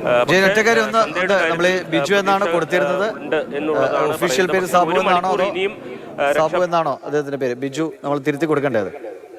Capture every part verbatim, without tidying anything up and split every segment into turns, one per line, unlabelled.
ബിജു എന്നാണ് കൊടുത്തിരുന്നത്. ഒഫീഷ്യൽ പേര് സാബു എന്നാണോ സാബു എന്നാണോ അദ്ദേഹത്തിന്റെ പേര്? ബിജു നമ്മൾ തിരുത്തി കൊടുക്കേണ്ടത്.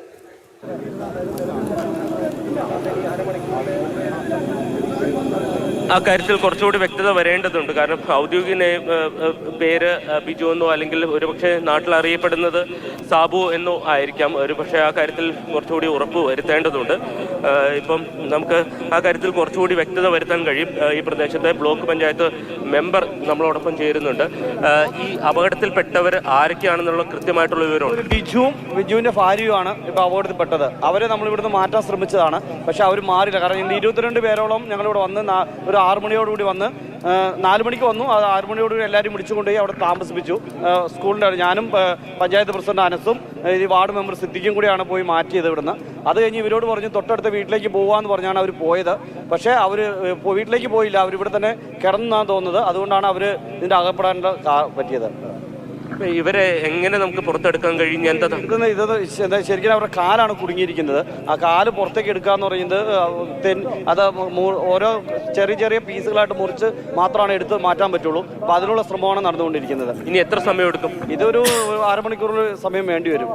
ആ കാര്യത്തിൽ കുറച്ചുകൂടി വ്യക്തത വരേണ്ടതുണ്ട്. കാരണം ഔദ്യോഗിക പേര് ബിജു എന്നോ അല്ലെങ്കിൽ ഒരുപക്ഷെ നാട്ടിൽ അറിയപ്പെടുന്നത് സാബു എന്നോ ആയിരിക്കാം. ഒരുപക്ഷെ ആ കാര്യത്തിൽ കുറച്ചുകൂടി ഉറപ്പ് വരുത്തേണ്ടതുണ്ട്. ഇപ്പം നമുക്ക് ആ കാര്യത്തിൽ കുറച്ചുകൂടി വ്യക്തത വരുത്താൻ കഴിയും. ഈ പ്രദേശത്തെ ബ്ലോക്ക് പഞ്ചായത്ത് മെമ്പർ നമ്മളോടൊപ്പം ചേരുന്നുണ്ട്. ഈ അപകടത്തിൽപ്പെട്ടവർ ആരൊക്കെയാണെന്നുള്ള കൃത്യമായിട്ടുള്ള വിവരമുണ്ട്.
ബിജുവും ബിജുവിൻ്റെ ഭാര്യയുമാണ് ഇപ്പോൾ അപകടത്തിൽപ്പെട്ടത്. അവരെ നമ്മൾ ഇവിടുന്ന് മാറ്റാൻ ശ്രമിച്ചതാണ്, പക്ഷെ അവർ മാറില്ല. കാരണം ഇന്ന് ഇരുപത്തിരണ്ട് പേരോളം ഞങ്ങളിവിടെ വന്ന് ഒരു ആറു മണിയോടുകൂടി വന്ന് നാല് മണിക്ക് വന്നു. അത് ആറു മണിയോടുകൂടി എല്ലാവരും വിളിച്ചു കൊണ്ടുപോയി അവിടെ താമസിപ്പിച്ചു. സ്കൂളിൻ്റെ ഞാനും പഞ്ചായത്ത് പ്രസിഡന്റ് അനസും ഈ വാർഡ് മെമ്പർ സിദ്ദിഖും കൂടിയാണ് പോയി മാറ്റിയത് ഇവിടുന്ന്. അത് കഴിഞ്ഞ് ഇവരോട് പറഞ്ഞു തൊട്ടടുത്ത വീട്ടിലേക്ക് പോകാമെന്ന് പറഞ്ഞാണ് അവർ പോയത്. പക്ഷേ അവർ വീട്ടിലേക്ക് പോയില്ല, അവരിവിടെ തന്നെ കിടന്നാണ് തോന്നുന്നത്. അതുകൊണ്ടാണ് അവർ ഇതിൻ്റെ അകപ്പെടാൻ പറ്റിയത്.
ഇവരെ എങ്ങനെ നമുക്ക് പുറത്തെടുക്കാൻ കഴിയും? എന്താ
ഇത് എന്താ ശരിക്കും അവരുടെ കാലാണ് കുടുങ്ങിയിരിക്കുന്നത്. ആ കാല് പുറത്തേക്ക് എടുക്കുക എന്ന് പറയുന്നത് അത് ഓരോ ചെറിയ ചെറിയ പീസുകളായിട്ട് മുറിച്ച് മാത്രമാണ് എടുത്ത് മാറ്റാൻ പറ്റുള്ളൂ. അപ്പോൾ അതിനുള്ള ശ്രമമാണ് നടന്നുകൊണ്ടിരിക്കുന്നത്.
ഇനി എത്ര സമയം എടുക്കും?
ഇതൊരു അരമണിക്കൂർ സമയം വേണ്ടി വരും.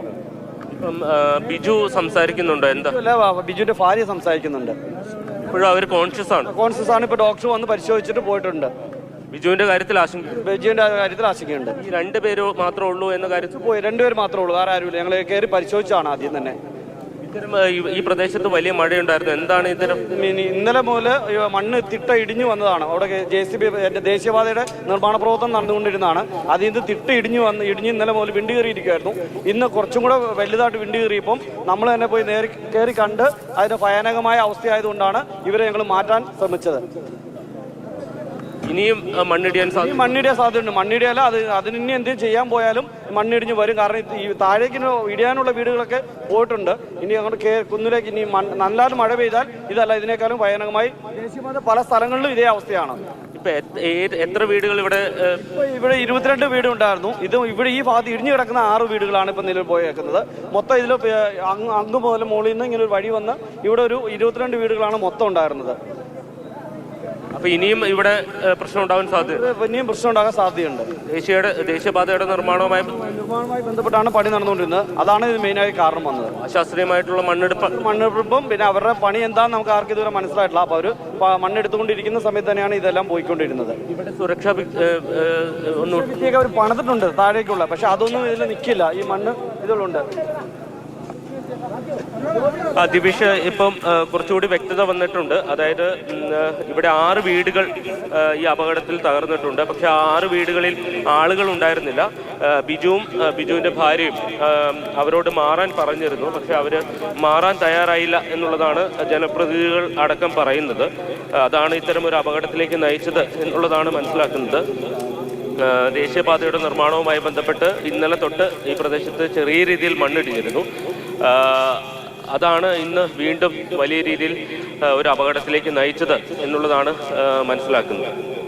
ബിജു സംസാരിക്കുന്നുണ്ടോ? എന്താ?
അല്ല, ബിജുവിന്റെ ഭാര്യ സംസാരിക്കുന്നുണ്ട്.
ഇപ്പോഴും അവർ കോൺഷ്യസ് ആണ്?
കോൺഷ്യസ് ആണ്. ഇപ്പോൾ ഡോക്ടർ വന്ന് പരിശോധിച്ചിട്ട് പോയിട്ടുണ്ട്.
ബിജുവിന്റെ കാര്യത്തിൽ ആശങ്ക
ബിജുവിന്റെ കാര്യത്തിൽ ആശങ്കയുണ്ട്.
ഈ രണ്ടുപേരോ മാത്രമേ ഉള്ളൂ എന്ന കാര്യത്തിൽ
പോയി രണ്ടുപേര് മാത്രമേ ഉള്ളൂ, വേറെ ആരുമില്ല. ഞങ്ങൾ കയറി പരിശോധിച്ചാണ് ആദ്യം തന്നെ.
ഇത്തരം ഈ പ്രദേശത്ത് വലിയ മഴയുണ്ടായിരുന്നു. എന്താണ് ഇത്തരം?
ഇന്നലെ മുതൽ മണ്ണ് തിട്ട ഇടിഞ്ഞു വന്നതാണ്. അവിടെ ജെ സി ബി ദേശീയപാതയുടെ നിർമ്മാണ പ്രവർത്തനം നടന്നുകൊണ്ടിരുന്നതാണ്. അതിൽ നിന്ന് തിട്ട ഇടിഞ്ഞു വന്ന് ഇടിഞ്ഞ് ഇന്നലെ മുതൽ വിണ്ട് കയറിയിരിക്കുമായിരുന്നു. ഇന്ന് കുറച്ചും കൂടെ വലുതായിട്ട് വിണ്ട് കയറിയപ്പം നമ്മൾ തന്നെ പോയി നേരി കയറി കണ്ട് അതിന്റെ ഭയാനകമായ അവസ്ഥയായതുകൊണ്ടാണ് ഇവരെ ഞങ്ങൾ മാറ്റാൻ ശ്രമിച്ചത്.
ഇനിയും മണ്ണിടിയാൻ സാധ്യത
മണ്ണിടിയാൻ സാധ്യതയുണ്ട്. മണ്ണിടിയല്ല, അത് അതിന് ഇനി എന്തെങ്കിലും ചെയ്യാൻ പോയാലും മണ്ണിടിഞ്ഞ് വരും. കാരണം ഈ താഴേക്ക് ഇടിയാനുള്ള വീടുകളൊക്കെ പോയിട്ടുണ്ട്. ഇനി അങ്ങോട്ട് കുന്നിലേക്ക് ഇനി നല്ലാലും മഴ പെയ്താൽ ഇതല്ല, ഇതിനേക്കാളും ഭയാനകമായി ദേശീയപാത പല സ്ഥലങ്ങളിലും ഇതേ അവസ്ഥയാണ്.
ഇപ്പൊ എത്ര വീടുകൾ ഇവിടെ?
ഇവിടെ ഇരുപത്തിരണ്ട് വീടുണ്ടായിരുന്നു. ഇത് ഇവിടെ ഈ ഭാഗത്ത് ഇടിഞ്ഞു കിടക്കുന്ന ആറ് വീടുകളാണ് ഇപ്പൊ നിലവിൽ പോയേക്കുന്നത്. മൊത്തം ഇതിൽ അങ്ങ് മുതൽ മുകളിൽ നിന്ന് ഇങ്ങനെ ഒരു വഴി വന്ന് ഇവിടെ ഒരു ഇരുപത്തിരണ്ട് വീടുകളാണ് മൊത്തം ഉണ്ടായിരുന്നത്.
അപ്പൊ ഇനിയും ഇവിടെ പ്രശ്നം ഉണ്ടാവാൻ സാധ്യത
ഇനിയും പ്രശ്നം ഉണ്ടാകാൻ സാധ്യതയുണ്ട്.
ദേശീയയുടെ ദേശീയപാതയുടെ നിർമ്മാണവുമായി
നിർമ്മാണവുമായി ബന്ധപ്പെട്ടാണ് പണി നടന്നുകൊണ്ടിരുന്നത്. അതാണ് ഇത് മെയിനായി കാരണം വന്നത്.
അശാസ്ത്രീയമായിട്ടുള്ള മണ്ണെടുപ്പ്
മണ്ണെടുപ്പും പിന്നെ അവരുടെ പണി എന്താണെന്ന് നമുക്ക് ആർക്കും ഇതുവരെ മനസ്സിലായിട്ടില്ല. അപ്പോൾ അവർ മണ്ണെടുത്തുകൊണ്ടിരിക്കുന്ന സമയത്ത് തന്നെയാണ് ഇതെല്ലാം പോയിക്കൊണ്ടിരുന്നത്.
ഇവിടെ സുരക്ഷാ
അവർ പണിതിട്ടുണ്ട് താഴേക്കുള്ള, പക്ഷെ അതൊന്നും ഇതിൽ നിൽക്കില്ല. ഈ മണ്ണ് ഇതിലുണ്ട്.
ദിവിഷ്, ഇപ്പം കുറച്ചുകൂടി വ്യക്തത വന്നിട്ടുണ്ട്. അതായത് ഇവിടെ ആറ് വീടുകൾ ഈ അപകടത്തിൽ തകർന്നിട്ടുണ്ട്. പക്ഷെ ആ ആറ് വീടുകളിൽ ആളുകൾ ഉണ്ടായിരുന്നില്ല. ബിജുവും ബിജുവിൻ്റെ ഭാര്യയും അവരോട് മാറാൻ പറഞ്ഞിരുന്നു. പക്ഷെ അവർ മാറാൻ തയ്യാറായില്ല എന്നുള്ളതാണ് ജനപ്രതിനിധികൾ അടക്കം പറയുന്നത്. അതാണ് ഇത്തരം ഒരു അപകടത്തിലേക്ക് നയിച്ചത് എന്നുള്ളതാണ് മനസ്സിലാക്കുന്നത്. ദേശീയപാതയുടെ നിർമ്മാണവുമായി ബന്ധപ്പെട്ട് ഇന്നലെ തൊട്ട് ഈ പ്രദേശത്ത് ചെറിയ രീതിയിൽ മണ്ണിടിഞ്ഞിരുന്നു. അതാണ് ഇന്ന് വീണ്ടും വലിയ രീതിയിൽ ഒരു അപകടത്തിലേക്ക് നയിച്ചത് എന്നുള്ളതാണ് മനസ്സിലാക്കുന്നത്.